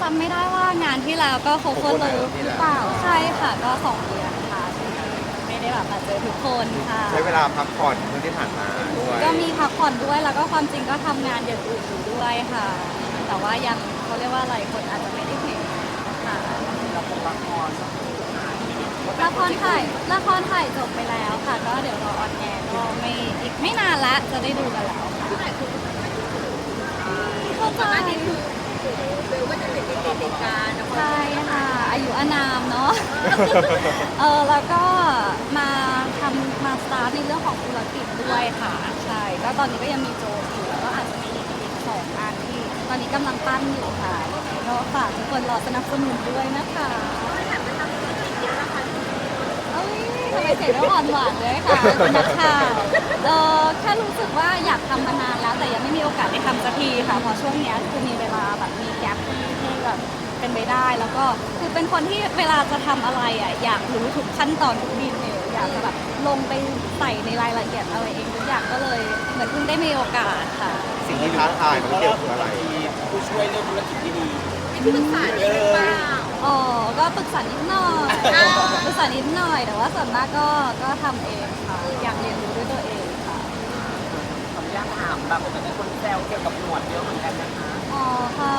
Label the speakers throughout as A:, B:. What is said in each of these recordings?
A: ำไม่ได้ว่างานที่แล้วก็ cover love หรือเปล่าใช่ค่ะก็2 เดือนค่ะไม่ได้แบบมาเจอทุกคนค่ะ
B: ใช้เวลาพักผ่อนช่วงที่ผ่านมาด้วย
A: ก็มีพักผ่อนด้วยแล้วก็ความจริงก็ทำงานอย่างอื่นอยู่ด้วยค่ะ แต่ว่ายังเขาเรียกว่าอะไรคนอาจจะไม่ได้เห็นค่ะละครถ่ายจบไปแล้วค่ะก็เดี๋ยวรอออนแอร์ก็ไม่อีกไม่นานละจะได้ดูกันแล้วค่ะเข้าใจ
C: เบลก็จะติดการนะ
A: ใช่ค่ะอายุอานามเนาะ แล้วก็มาสตาร์ทในเรื่องของธุรกิจด้วยค่ะใช่ก็ตอนนี้ก็ยังมีโจทย์อยู่แล้วก็อาจจะมีอีก2 อันที่ตอนนี้กำลังปั้นอยู่ค่ะยังไงก็ฝากทุกคนรอสนับสนุนด้วยนะคะเอ้ยทำไมเสียงต้องอ่อนหวานเลยค่ะคุณนักข่าวแค่รู้สึกว่าอยากทำมานานแล้วแต่ยังไม่มีโอกาสได้ทำสักทีค่ะเพราะช่วงเนี้ยคือมีเวลาแบบมีแกลที่แบบเป็นไปได้แล้วก็คือเป็นคนที่เวลาจะทำอะไรอ่ะอยากรู้ทุกขั้นตอนทุกดีเทลอยากจะแบบลงไปใส่ในรายละเอียดอะไรเองทุกอย่างก็เลยเหมือนเพิ่งได้มีโอกาสค่ะ
B: สิ่งที่ท้าทายมันเกี่ยวกับอะไร
D: ผู้ช่วยเรื่องธุรกิจที่ดี
C: มีที่ปรึกษาดีหรือเปล่า
A: อ๋อก็ปรึกษานิดหน่อยปรึกษานิดหน่อยแต่ว่าส่วนมากก็ทำเองค่ะอยากเรียนรู้ด้วยตัวเองค่ะ
D: ขออนุญาตถามแบบแต่ในคนแซวเกี่ยวกับหนวดเยอะเหมือนกันนะคะ
A: อ๋อค่ะ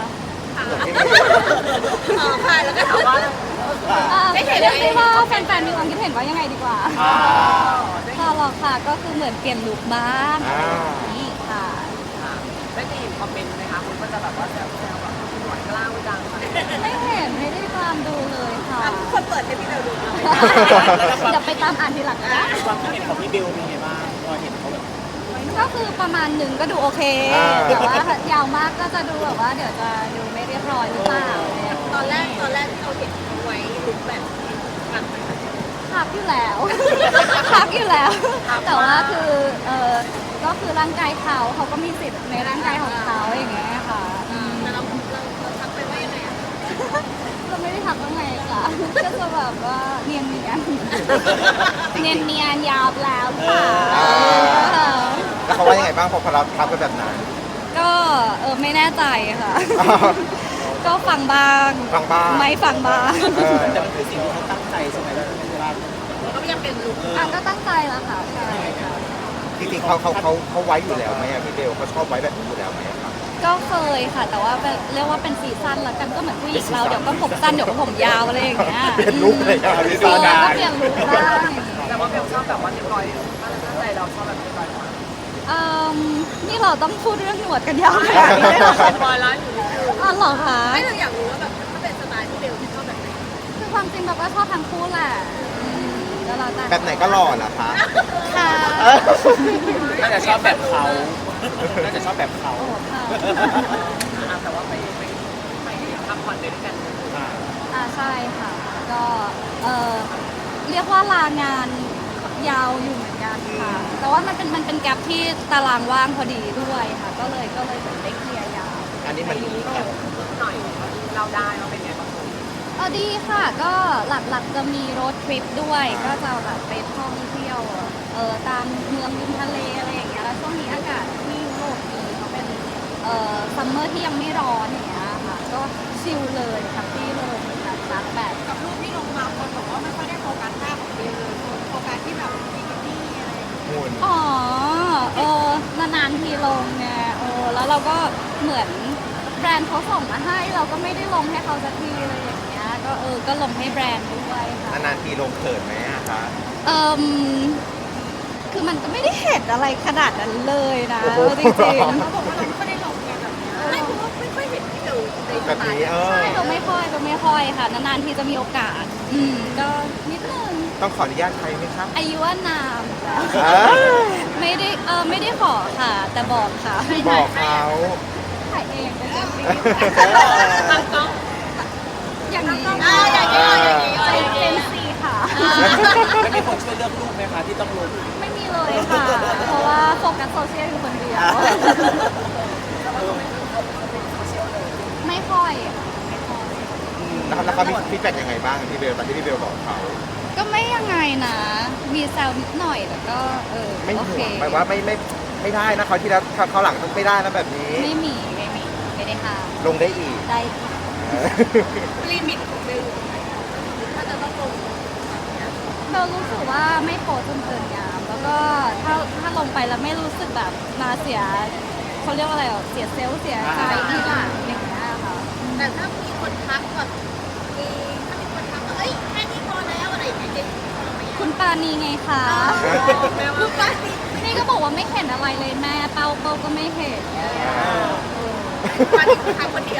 C: ค่ะแล้วก็ถามว่า ได้เห็น
A: เรียก
C: ไหม
A: ได้ว่าแฟนๆมีความคิดเห็นว่ายังไงดีกว่า
B: อ่า
A: ค่ะหรอกค่ะก็คือเหมือนเปลี่ยนลุคบ้าง
B: อ่า
A: นี่ค่ะ
D: ได้เห็นคอมเมนต์ไหมคะคุณก็จะแบบว่าแซวแบบหนวดกล้าวจัง
A: ไม่เห็นไม่ได้ตามดูเลยค่ะ
C: คนเปิดให้พี่เบลดู
A: เดี๋ยวไปตามอ่านทีหลังนะ
D: ความคิดเห็นของพี่เบลเป็นไงบ้างพอเห็นเขาแบบ
A: ก็คือประมาณหนึ่งก็ดูโอเค แต่ว่ายาวมากก็จะดูแบบว่าเดี๋ยวจะดูไม่เรียบร้อยหรือเปล่า
C: ตอนแรกที่เราเห็นไว้ลุคแบบกัน
A: พักอยู่แล้ว พักอยู่แล้ว แต่ว่าคือก็คือร่างกายเขาก็มีสิทธิ์ในร่างกายของเขาอย่างเงี้ยค่ะ
C: แต่เราทักไปว่ายังไงอ่ะ
A: เราไม่ได้ทักว่าไงค่ะ ก็จะแบบว่าเนียนเนียนเนียนเนียนยาวแล้วค่ะ
B: แล้วเขาว่ายังไงบ้างพอเราทักไปแบบนั้น
A: ก็ไม่แน่ใจค่ะ ก็ฟังบ้าง
B: ฟังบ้าง
A: ไม่ฟังบ้าง
D: แต่มันคือสิ่งที่เขาตั้งใจใช่ไหมล่ะเวลา
C: มันก็ยังเป็นลุค
A: ก็ตั้งใจแล้วค่ะใช่ค่ะ
B: จริงๆเขาไว้อยู่แล้วไหมอะพี่เบลเขาชอบไว้แบบนี้อยู่แล้วไหมอะครับ
A: ก็เคยค่ะ แต่ว่าเรียกว่าเป็นซีซั่นละกันก็เหมือนผู้หญิงเราเดี๋ยวก็ผมสั้นเดี๋ยวก็ผมยาวอะไรอย่างเงี้ย
B: เปลี่ยนลุคเลยอะพี่
A: เอ
B: ซา
A: อ
B: ดา
A: ก็เปลี่ยนลุคบ้าง
D: แต่ว่าเบลชอบแบบว่าเรียบร้อยตั้งใจเราชอบแบบเรียบร้อยกว่า
A: นี่เราต้องพูดเรื่องหนวดกันยาวขนาดนี้เลยเหรอคะ
D: เรียบร้อยแล้วอยู่
A: อ๋อเหรอคะ
C: ไม่เราอยากรู้ว่าแบบถ้าเป็นสไตล์ที่เบลที่ชอบแบบไหน
A: คือความจริงแบบว่าชอบทั้งคู่แหละแล้วเราแต่
B: แบบไหนก็หล่อเหรอคะ
A: ค่ะ
D: น่าจะชอบแบบเขาน่าจะชอบแบบเขา
A: โอ้ค่ะ
D: แต่ว่าไปพักผ่อนด้วยกัน
A: ใช่ค่ะ ก็เรียกว่าลางานยาวอยู่เหมือนกันค่ะ แต่ว่ามันเป็นแกลบที่ตารางว่างพอดีด้วยค่ะ ก็เลยเหมือนได้เคลียร์ยาว
B: อันนี้มัน
D: หน่อยเราได้เราเป็นไงบ้าง
A: ดีค่ะ ก็หลักๆจะมีโรดทริปด้วย ก็จะแบบไปท่องเที่ยวตามเมืองริมทะเลอะไรอย่างเงี้ย แล้วช่วงนี้อากาศที่ยุโรปดีเขาเป็นซัมเมอร์ที่ยังไม่ร้อนอย่างเงี้ยค่ะ ก็ชิลเลยแฮปปี้เลยแบบซักแบบ
C: กับรูปที่ลงมาคนบอกว่าไม่ค่อยได้โฟกัสหน้าของเบลเลยโฟกัสที่แบบบิกินี่อะไรอย่างเงี้ย
B: หุ่น
A: อ๋อนานๆทีลงไงแล้วเราก็เหมือนแบรนด์เขาส่งมาให้ เราก็ไม่ได้ลงให้เขาสักทีเลยอย่างเงี้ย ก็ลงให้แบรนด์ด้วยค่ะ
B: นานๆทีลงเขินไหมอะคะ
A: เอ่มคือมันก็ไม่ได้เห็นอะไรขนาดนั้นเลยนะ
B: โอ้โห
A: จริง
C: เขาบอกว่าเราไม่ค่อยได้ลงไงแบบเนี้ยไม่เพราะว่าไม่ค่อยเห็นพี่เบลในส
B: แบบ
C: ไต
B: นี้
C: ล์
A: ๆใช่ก็ไม่ค่อยค่ะ นานๆทีจะมีโอกาส ก็นิดนึง
B: ต้องขออนุญาตใครไหมครับ
A: อายุว่านามแล้ว
B: อ่า
A: ไม่ได้ขอค่ะ แต่บอกค่ะ
B: บอกเขา
A: ถ่ายเองเป็นจริง
C: ตั้งกล้อง
A: อย่างนี้
C: อย่างนี้อย่างนี้
A: ใจเป็นสีค่ะ
D: ไม่มีคนช่วยเลือกรูปไหมคะที่ต้องลง
A: ไม่มีเลยค่ะ เพราะว่าโฟกัสโซเชียลอยู่คนเดียว ไม่ค่อยค่ะไม่ค่อย
B: แล้วเขามีฟีดแบ็กยังไงบ้างพี่เบลตอนที่พี่เบลบอกเขา
A: ก็ไม่ยังไงนะ มีแซวนิดหน่อยแต่ก็
B: ไม่ห่
A: โอเคว
B: งหมายว่าไม่ได้นะเขาวที่แล้วเขาวหลังต้องไม่ได้นะแบบนี้
A: ไม่ได้ห้าม
B: ลงได้อีก
A: ได้ค่ะ
C: ลิมิตของเบลอยู่ตรงไหนถ้าจะต้องลงแบบเนี้ย
A: เรารู้สึกว่าไม่โพสจนเกินงามแล้วก็ถ้าลงไปแล้วไม่รู้สึกแบบมาเสียเขาเรียกว่าอะไรอ่ะเสียเซลล์เสียใจที่หลังอย่างเงี้ยค่ะ
C: แต่ถ้ามีคนทักแบบถ้ามีคนทักว่าเอ้ยแค่นี้พอแล้วอะไรอย่างเงี้ยจะพอไหม
A: คุณปานีไงคะ
C: คือป้านี่
A: นี่ก็บอกว่าไม่เห็นอะไรเลยแม่เป้าก็ไม่เห็น
C: ป้านี่คือทำคนเดียว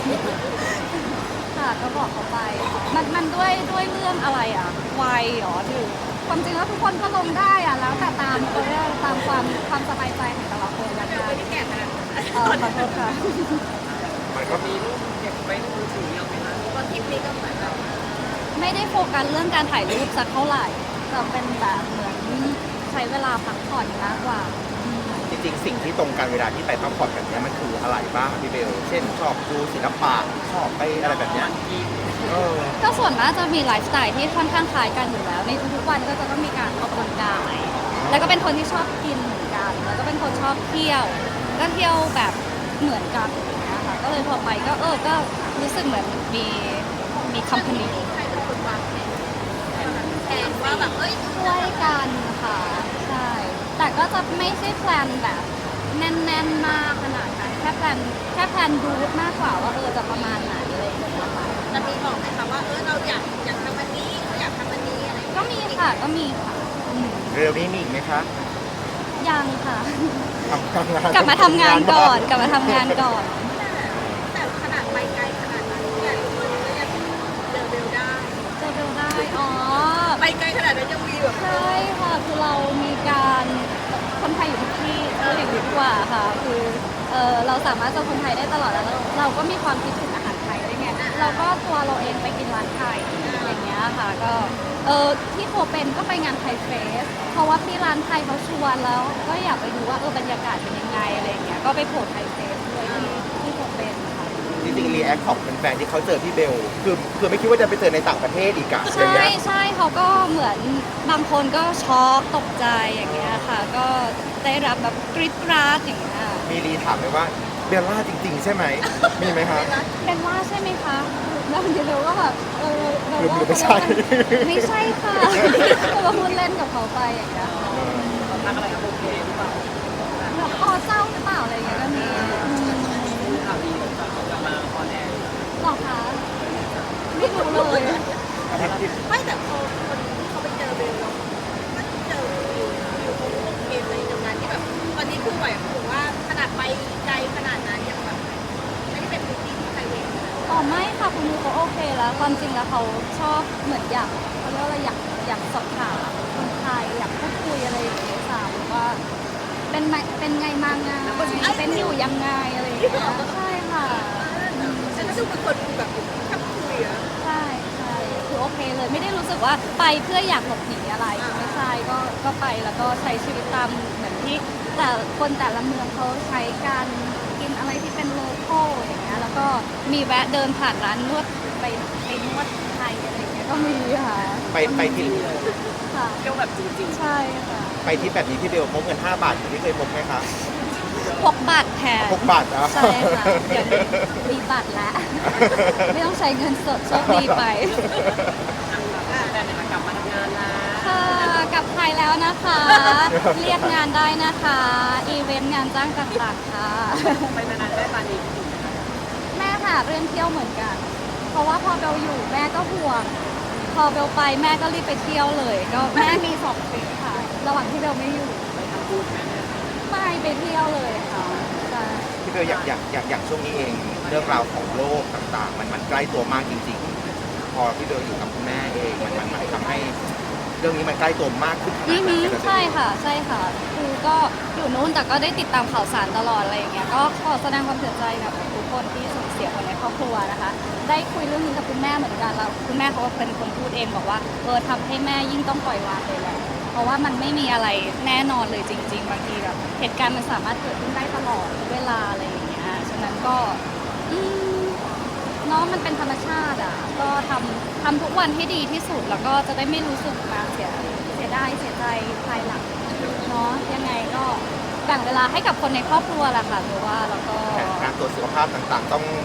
A: ค่ะก็บอกเขาไปมันด้วยเรื่องอะไรอ่ะวัยเหรอถือความจริงแล้วทุกคนก็ลงได้อ่ะแล้วแต่ตามเขาเรียกตามความสบายใจของแต่ละคนละ
C: เบล
A: กัน
C: ไม่ได้แก่ขนาดนั้น
A: ขอโทษค่ะ
B: มันก็
D: มีรูปเก็บไว้ในมือถือเยอะไหมคะ
C: เพราะคลิปนี้ก็เหมือนแบบ
A: ไม่ได้โฟกัสเรื่องการถ่ายรูปสักเท่าไหร่แต่เป็นแบบเหมือนใช้เวลาพักผ่อนมากกว่า
B: จริงๆสิ่งที่ตรงกันเวลาที่ไปพักผ่อนแบบเนี้ยมันคืออะไรบ้างพี่เบล เช่นชอบดูศิลปะชอบไปอะไรแบบเนี้ยเออ
A: ก็ส่วนมากจะมีไลฟ์สไตล์ที่ค่อนข้างคล้ายกันอยู่แล้วในทุกๆวันก็จะต้องมีการออกกำลังกายแล้วก็เป็นคนที่ชอบกินเหมือนกันแล้วก็เป็นคนชอบเที่ยวก็เที่ยวแบบเหมือนกันอย่างเงี้ยค่ะก็เลยพอไปก็ก็รู้สึกเหมือนมีคัมพานี
C: ใครเป็นคนวางแผนว่าแบบเอ้ย
A: ช่วยกันค่ะใช่แต่ก็จะไม่ใช่แพลนแบบแน่นๆมากขนาดนั้นแค่แพลนรูทมากกว่าว่าจะประมาณไหนอะไรอย่างเงี้ยค่ะ
C: จะมีบอกไหมคะว่าเราอยากทำอันนี้เราอยากทำอันนี้อะไรอย่าง
A: ก็
C: เงี้ย
A: มีค่ะก็มีค่ะอืม
B: เร็วนี้มีอีกไหมคะ
A: ยังค่ะ
B: ทำงาน
A: กลับมาทำงานก่อนกลับมาทำงานก่อน
C: แต่ขนาดไปไกลขนาดนั้นเนี่ยทุกคนก็ยังเจอเบลได้
A: เจอเบลได้อ๋อ
C: ไปไกลขนาดนั้นยังมีแบบ
A: ใช่ค่ะคือเรามีการคนไทยอยู่ทุกที่อย่างนี้ดีกว่าค่ะคือเราสามารถเจอคนไทยได้ตลอดแล้วเราก็มีความคิดถึงอาหารไทยด้วยไงเราก็ตัวเราเองไปกินร้านไทยอย่างเงี้ยค่ะก็ที่โคเป็นก็ไปงานไทยเฟสเพราะว่าที่ร้านไทยเขาชวนแล้วก็อยากไปดูว่าบรรยากาศเป็นยังไงอะไรอย่างเงี้ยก็ไปโผล่ไทยเฟสด้วยที่โคเป็นค่ะ
B: จริงๆรีแอคของแฟนๆที่เขาเจอพี่เบล คือไม่คิดว่าจะไปเจอในต่างประเทศอีกอะอย่าง
A: ใช่
B: เงี้ย
A: ใช่เขาก็เหมือนบางคนก็ช็อกตกใจอย่างเงี้ยค่ะ ก็ได้รับแบบกรี๊ดกราดอย่างเงี้ย
B: มีรีถามไหมว่าเบลล่าจริง ๆ ใช่ไหม มีไหมคะ
A: เป็นว่าใช่ไหมคะแล้วเดี๋ยวก็แบบเรา
B: หรือ
A: ว่า
B: ไม่ใช่
A: ไม่ใช่ค่ะเราก็พูดเล่นกับเขาไปอย่างเงี้ย
D: รักอะไรครับโอเคหรือเปล่า
A: แบบคอเศร้าหรือเปล่าอะไรอย่างเงี้ยก็มี
D: ข่าวดีกลับมาคอนแอร์
A: หรอคะไม่รู้เลย
C: ไม่แต่พอคนที่เขาไปเจอเบลแล้วมันเจออยู่โอเคเลยในงานที่แบบตอนนี้คือแบบถือว่าขนาดไปไกลขนาดนั้นยังแบบไม่ได้เป็นพื้นที่ที่ใครเวง
A: อ๋อไม่ค่ะคุณมูเขาโอเคแล้วความจริงแล้วเขาชอบเหมือนอยากเขาเรียกว่าอะไรอยากสอบถามคนไทยอยากพูดคุยอะไรอย่างเงี้ยถามว่าเป็นไงมาไงเป็นอยู่ยังไงอะไรอย่างเงี้ยใช่ค่ะ
C: ฉันก็ดูเป็นคนแบบชอบคุยอะ
A: ใช่ใช่คือโอเคเลยไม่ได้รู้สึกว่าไปเพื่ออยากหลบหนีอะไรไม่ใช่ก็ไปแล้วก็ใช้ชีวิตตามเหมือนที่แต่คนแต่ละเมืองเขาใช้การกินอะไรที่เป็นโลคอลอย่างเงี้ยแล้วก็มีแวะเดินผ่านร้านนวดไปนวดไทยอะไรอย่างเงี้ยก็มีค่ะ
B: ไปที่
A: ค่ะ
D: เที่ยวแบบจริง
A: ใช่ค่ะ
B: ไปที่แบบนี้พี่เบลพกเงิน5 บาทอย่างที่เคยพกไหมคะ
A: พกบัตรแทน
B: พกบาทอ่ะ
A: ใช่ค่ะเดี๋ยวนี้มีบัตรแล้ว ไม่ต้องใช้เงินสดโชคดีไป
D: ๆแต่เนี่ยกลับมาทำงานแล้ว
A: ค่ะกลับไทยแล้วนะคะ เรียกงานได้นะคะ อีเวนต์งานจ้างต่างๆค่ะ
D: ไปนานๆได้ปานีที่ไหนคะ
A: แม่ค่ะเรื่องเที่ยวเหมือนกัน เพราะว่าพอเบลอยู่แม่ก็ห่วง พอเบลไปแม่ก็รีบไปเที่ยวเลย ก็แม่มี2 ทริปค่ะ ระหว่างที่เบลไม่อยู่
D: ไปทำบุญแม่เนี่ย
A: ไปเที่ยวเลยค่ะใช่
B: พี่เบลอย่างช่วงนี้เองเรื่องราวของโลกต่างๆ มันใกล้ตัวมากจริงๆ พอพี่เบลอยู่กับคุณแม่เองมันทำให้เรื่องนี้มันใกล้ตัวมากขึ้นขนาด
A: อือ
B: ไหน
A: หือ
B: กันเลย
A: ใช่ค่ะใช่ค่ะคือก็อยู่นู้นแต่ก็ได้ติดตามข่าวสารตลอดอะไรอย่างเงี้ยก็ขอแสดงความเสียใจกับทุกคนที่สูญเสียคนในครอบครัวนะคะ ได้คุยเรื่องนี้กับคุณแม่เหมือนกันแล้วคุณแม่เขาก็เป็นคนพูดเองบอกว่าทำให้แม่ยิ่งต้องปล่อยวางเลยแหละเพราะว่ามันไม่มีอะไรแน่นอนเลยจริง ๆ บางทีแบบเหตุการณ์มันสามารถเกิดขึ้นได้ตลอดเวลาอะไรอย่างเงี้ยฉะนั้นก็อืม เนาะมันเป็นธรรมชาติอ่ะก็ทำทุกวันให้ดีที่สุดแล้วก็จะได้ไม่รู้สึกมาเสียดายเสียใจภายหลังเนาะยังไงก็แบ่งเวลาให้กับคนในครอบครัวแหละค่ะหรือว่าแล้วก็
B: การตรวจสุขภาพต่างๆ ต้อง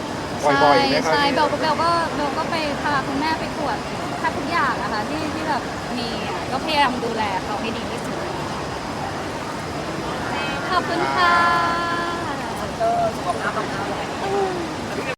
B: บ่อยๆไหมครับ
A: ใช่
B: พี่
A: เบลก็ไปพาคุณแม่ไปตรวจแทบทุกอย่างนะคะที่แบบมีอะก็พยายามดูแลเขาให้ดีที่สุดขอบคุณค่ะ
D: สุขภาพต้องเข้าเลย